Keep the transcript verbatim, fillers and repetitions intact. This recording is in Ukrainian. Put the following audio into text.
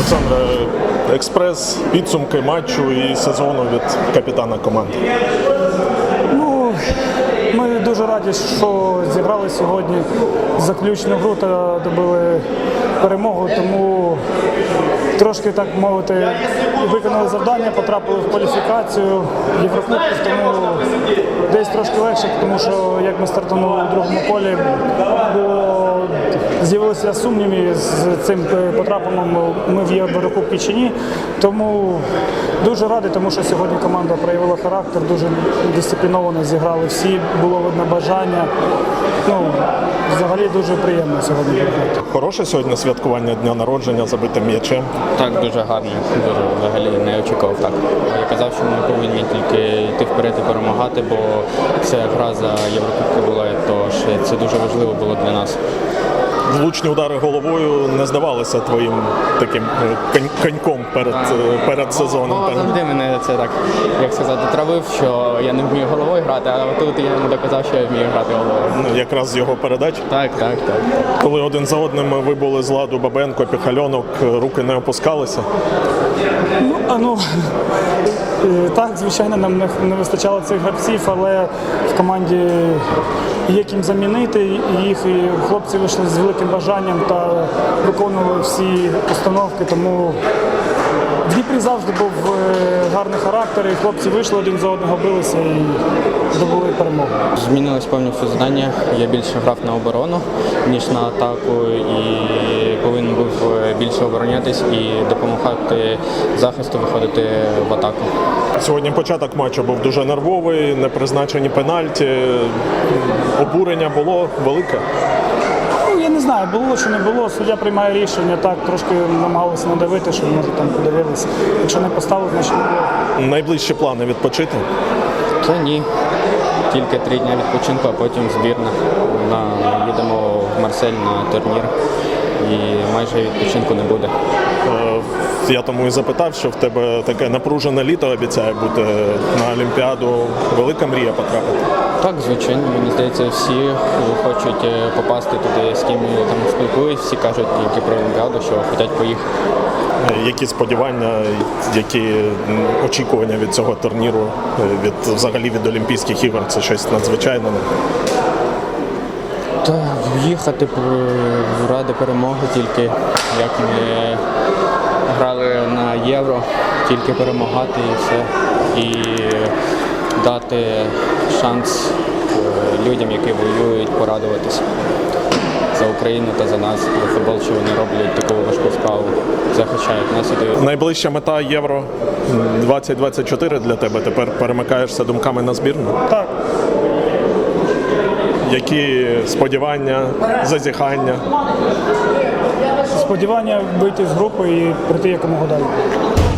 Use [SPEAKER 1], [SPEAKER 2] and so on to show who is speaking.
[SPEAKER 1] Олександре, експрес, підсумки матчу і сезону від капітана команди.
[SPEAKER 2] Ну, ми дуже раді, що зіграли сьогодні заключну гру та добили перемогу, тому трошки, так мовити, виконали завдання, потрапили в кваліфікацію Єврокубків, тому десь трошки легше, тому що як ми стартанули у другому колі, було з'явилися сумніви з цим потрапленням ми в Єврокубки чи ні. Тому дуже радий, тому що сьогодні команда проявила характер, дуже дисципліновано зіграли всі, було видно бажання. Ну, взагалі дуже приємно сьогодні грати.
[SPEAKER 1] Хороше сьогодні святкування дня народження забитим м'ячем.
[SPEAKER 3] Так, дуже гарно. Дуже, взагалі не очікував так. Я казав, що ми повинні тільки йти вперед і перемагати, бо це гра за Єврокубки була, тож це дуже важливо було для нас.
[SPEAKER 1] Влучні удари головою не здавалися твоїм таким конь- коньком перед, перед сезоном.
[SPEAKER 3] Вова завжди мене це так, як сказати, травив, що я не вмію головою грати, а тут я йому доказав, що я вмію грати головою.
[SPEAKER 1] Ну, якраз з його передач.
[SPEAKER 3] Так, так, так.
[SPEAKER 1] Коли один за одним ви були з ладу Бабенко, Піхальонок, руки не опускалися.
[SPEAKER 2] Ну, а ну, е, так, звичайно, нам не, не вистачало цих гравців, але в команді є ким замінити їх, і хлопці вийшли з великим бажанням та виконували всі установки, тому в Дніпрі завжди був е, гарний характер, і хлопці вийшли один за одного, билися і здобули перемогу.
[SPEAKER 3] Змінилось повністю завдання. Я більше грав на оборону, ніж на атаку, і повинен був більше оборонятись і допомагати захисту виходити в атаку.
[SPEAKER 1] Сьогодні початок матчу був дуже нервовий, непризначені пенальті. Обурення було велике.
[SPEAKER 2] Ну, я не знаю, було чи не було, суддя приймає рішення, так, трошки намагалися надавити, щоб, може, там подивилися. Якщо не поставили, значить не було.
[SPEAKER 1] Найближчі плани відпочити.
[SPEAKER 3] Та ні. Тільки три дні відпочинку, а потім збірна. На, їдемо в Марсель на турнір і майже відпочинку не буде.
[SPEAKER 1] Е, Я тому і запитав, що в тебе таке напружене літо обіцяє бути на Олімпіаду. Велика мрія потрапити.
[SPEAKER 3] Так, звичайно, мені здається, всі хочуть попасти туди, з ким я там спілкуюсь, всі кажуть тільки про Олімпіаду, що хочуть поїхати.
[SPEAKER 1] Е, Які сподівання, які м, очікування від цього турніру, е, від взагалі від Олімпійських ігор? Це щось надзвичайне.
[SPEAKER 3] Та їхати ради перемоги тільки, як ми грали на Євро, тільки перемагати і все. І дати шанс людям, які воюють, порадуватися за Україну та за нас, за футбол, що вони роблять таку важку справу, захищають нас і дають.
[SPEAKER 1] Найближча мета Євро двадцять двадцять чотири для тебе. Тепер перемикаєшся думками на збірну.
[SPEAKER 2] Так.
[SPEAKER 1] Які сподівання, зазіхання?
[SPEAKER 2] Сподівання вийти з групи і прийти якомога далі.